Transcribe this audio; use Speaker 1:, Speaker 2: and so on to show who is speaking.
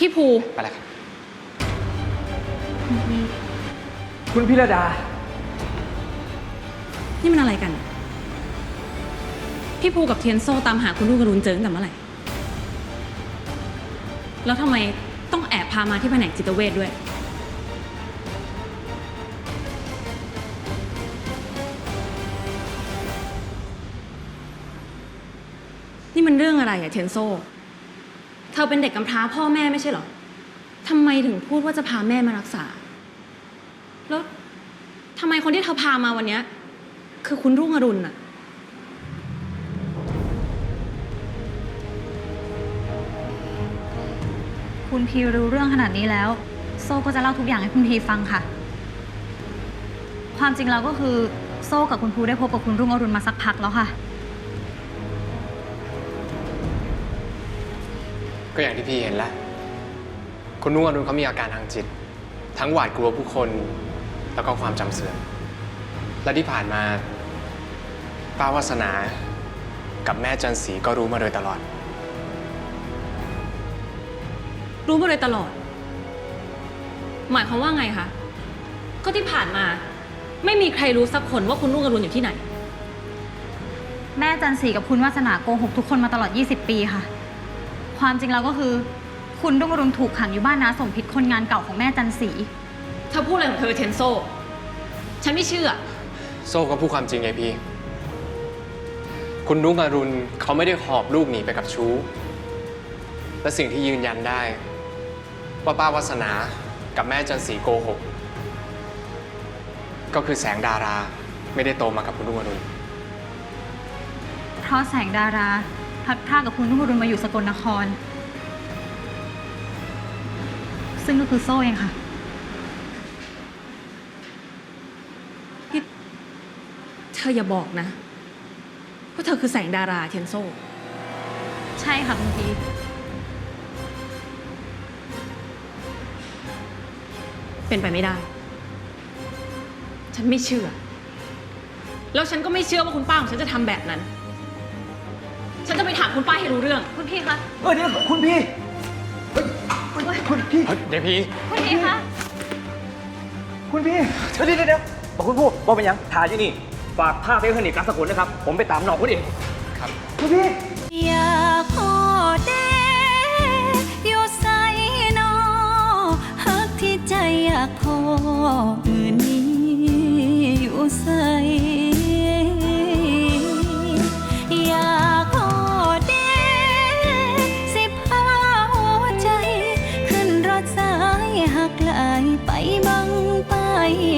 Speaker 1: พี่ภู
Speaker 2: ไปแล้วครับ
Speaker 3: คุณพิรดา
Speaker 1: นี่มันอะไรกัน พี่ภูกับเทียนโซ่ตามหาคุณลูกกระรุนเจอตั้งแต่เมื่อไหร่แล้วทำไมต้องแอบพามาที่แผนกจิตเวชด้วยนี่มันเรื่องอะไรอะเทียนโซ่เธอเป็นเด็กกำพร้าพ่อแม่ไม่ใช่เหรอทำไมถึงพูดว่าจะพาแม่มารักษาแล้วทำไมคนที่เธอพามาวันนี้คือคุณรุ่งอรุณอะ
Speaker 4: คุณพีรู้เรื่องขนาดนี้แล้วโซ่ก็จะเล่าทุกอย่างให้คุณพีฟังค่ะความจริงแล้วก็คือโซ่กับคุณภูได้พบกับคุณรุ่งอรุณมาสักพักแล้วค่ะ
Speaker 2: ก็อย่างที่พี่เห็นแล้วคุณนุ่งอรุณเขามีอาการทางจิตทั้งหวาดกลัวผู้คนแล้วก็ความจำเสื่อมและที่ผ่านมาป้าวาสนากับแม่จันสีก็รู้มาโดยตลอด
Speaker 1: รู้มาโดยตลอดหมายความว่าไงคะก็ที่ผ่านมาไม่มีใครรู้สักคนว่าคุณรุ่งอรุณอยู่ที่ไหน
Speaker 4: แม่จันสีกับคุณวาสนาโกหกทุกคนมาตลอด20 ปีค่ะความจริงแล้วก็คือคุณรุ่งอรุณถูกขังอยู่บ้านน้าสมพิษคนงานเก่าของแม่จันสี
Speaker 1: เธอพูดอะไรของเธอเทนโซฉันไม่เชื่อ
Speaker 2: โซ่ก็พูดความจริงไงพี่คุณรุ่งอรุณเขาไม่ได้หอบลูกหนีไปกับชู้และสิ่งที่ยืนยันได้ว่าป้าวาสนากับแม่จันสีโกหกก็คือแสงดาราไม่ได้โตมากับคุณรุ่งอรุณ
Speaker 4: เพราะแสงดาราพลัดพรากกับคุณรุ่งอรุณมาอยู่สกลนครซึ่งก็คือโซ่เองค่ะ
Speaker 1: เธออย่าบอกนะว่าเธอคือแสงดาราเทนโซ
Speaker 4: ใช่ค่ะคุณพี
Speaker 1: เป็นไปไม่ได้ฉันไม่เชื่อแล้วฉันก็ไม่เชื่อว่าคุณป้าของฉันจะทำแบบนั้นฉันจะไปถามคุณป้าให้รู้เรื่อง
Speaker 4: คุณพี่คะ
Speaker 3: เดี๋ยวคุณพี่คุณพี่
Speaker 2: เดี๋ยวพี่
Speaker 4: คุณพี่คะ
Speaker 3: คุณพี่เดี๋ยวบอกคุณพูดบอกเป็นยังถ่ายอยู่นี่ฝากภาพให้เพื่อนอีกการสกุลนะครับผมไปตามน้องคุณเอง
Speaker 2: ครับ
Speaker 3: คุณพี่
Speaker 4: อยากขอเดอยู่ใส่นอฮักที่ใจอยากขอมือนี้อยู่ใส่อยากขอเดสิพาหัวใจขึ้นรถสายหักไหลไปบังไป